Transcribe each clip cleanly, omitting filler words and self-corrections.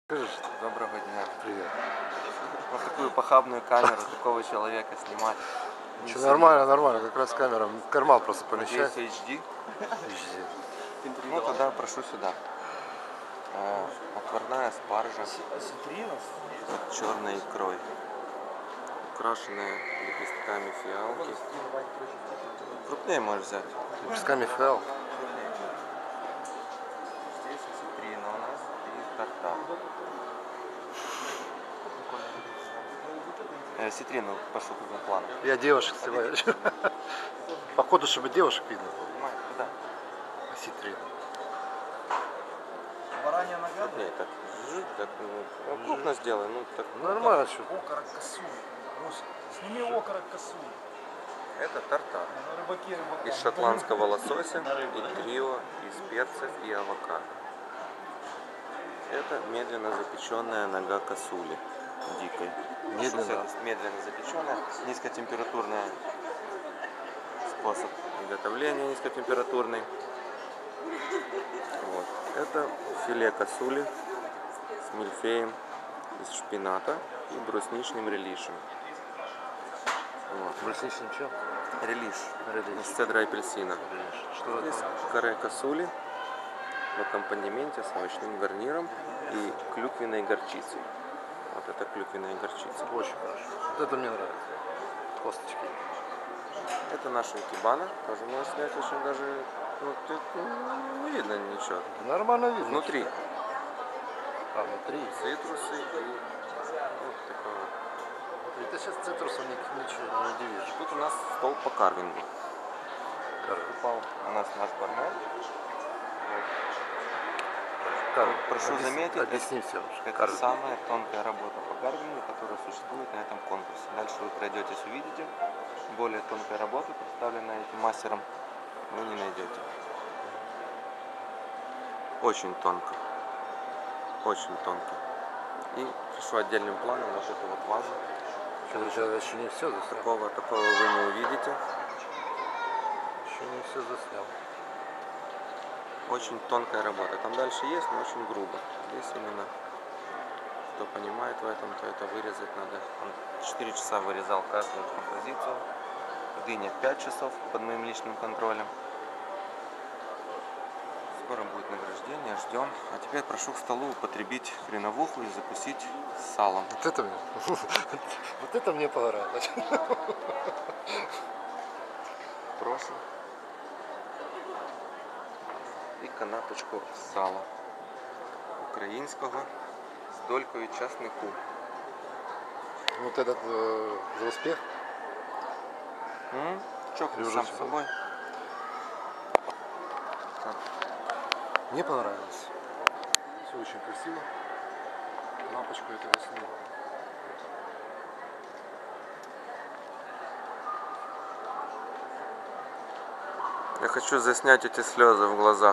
Доброго дня. Привет. Вот такую похабную камеру такого человека снимать. Ничего, нормально, нормально, как раз камера в карман просто Надеюсь, помещай. HD. HD. Ну тогда прошу сюда. Отварная спаржа с черной икрой, украшенная лепестками фиалки. Крупнее можешь взять. Лепестками фиал. Здесь осетрина у нас и тартар. Осетрину прошу на план. Я девушек снимаю. Походу, чтобы девушек видно было. Понимаешь, куда? Осетрина. Баранья нога? Крупнее так. Так, ну, крупно сделай. Ну, так. Нормально, что. Окорок косуль. Сними окорок косуль. Это тартар. Ну, рыбаки. Из шотландского лосося, и трио, из перцев и авокадо. Это медленно запеченная нога косули дикой. Медленно запеченная, низкотемпературный способ приготовления, низкотемпературный. Вот. Это филе косули с мильфеем из шпината и брусничным релишем. Вот. Брусничный чем? Релиш Релиш. из цедра апельсина. Что Здесь это? каре косули в аккомпанементе с овощным гарниром и клюквенной горчицей. Вот это клюквенная горчица. Очень хорошо. Вот это мне нравится. Косточки. Это наша икебана. Тоже можно снять очень даже... Ну, тут не видно ничего. Нормально видно. Внутри А, внутри. цитрусы и вот такое вот. Это сейчас цитрусом ничего не удивишь. Тут у нас стол по карвингу. Упал. У нас наш бармен. Прошу заметить, Объясни все. это самая тонкая работа по карвингу, которая существует на этом конкурсе. Дальше вы пройдетесь, увидите. Более тонкой работы, представленной этим мастером, вы не найдете. Очень тонко. Очень тонко. И прошу отдельным планом вот эту вот вазу. Сейчас еще не все заснял. Такого вы не увидите. Еще не все заснял. Очень тонкая работа. Там дальше есть, но очень грубо. Здесь именно, кто понимает в этом, то это вырезать надо. Он 4 часа вырезал каждую композицию. Дыня 5 часов под моим личным контролем. Скоро будет награждение, ждем. А теперь прошу к столу употребить хреновуху и закусить салом. Вот это мне. Вот это мне понравилось. Прошу. І канапочку сала українського з долькою часнику. Вот этот за успех. Чокнусь сам с собой. Так. Мне понравилось. Все очень красиво. Лампочку это я сниму. Я хочу заснять эти слезы в глазах.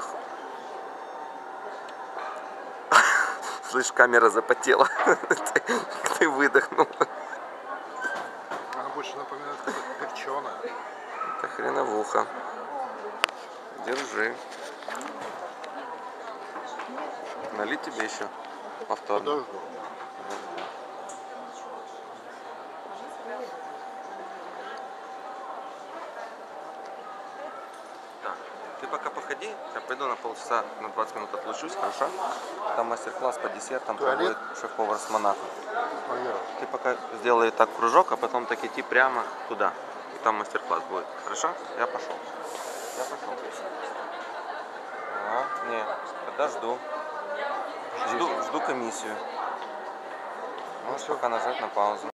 Слышь, камера запотела. Ты выдохнул. Она больше напоминает перченая. Это хреновуха. Держи. Налить тебе еще повторно? Подожду. Так, ты пока походи, я пойду на полчаса, на 20 минут отлучусь, хорошо? Там мастер-класс по десертам проводит шеф-повар с Монако. Ты пока сделай так кружок, а потом так идти прямо туда. И там мастер-класс будет. Хорошо? Я пошел. Я пошел. Не, подожду. Жду комиссию. Можешь пока нажать на паузу.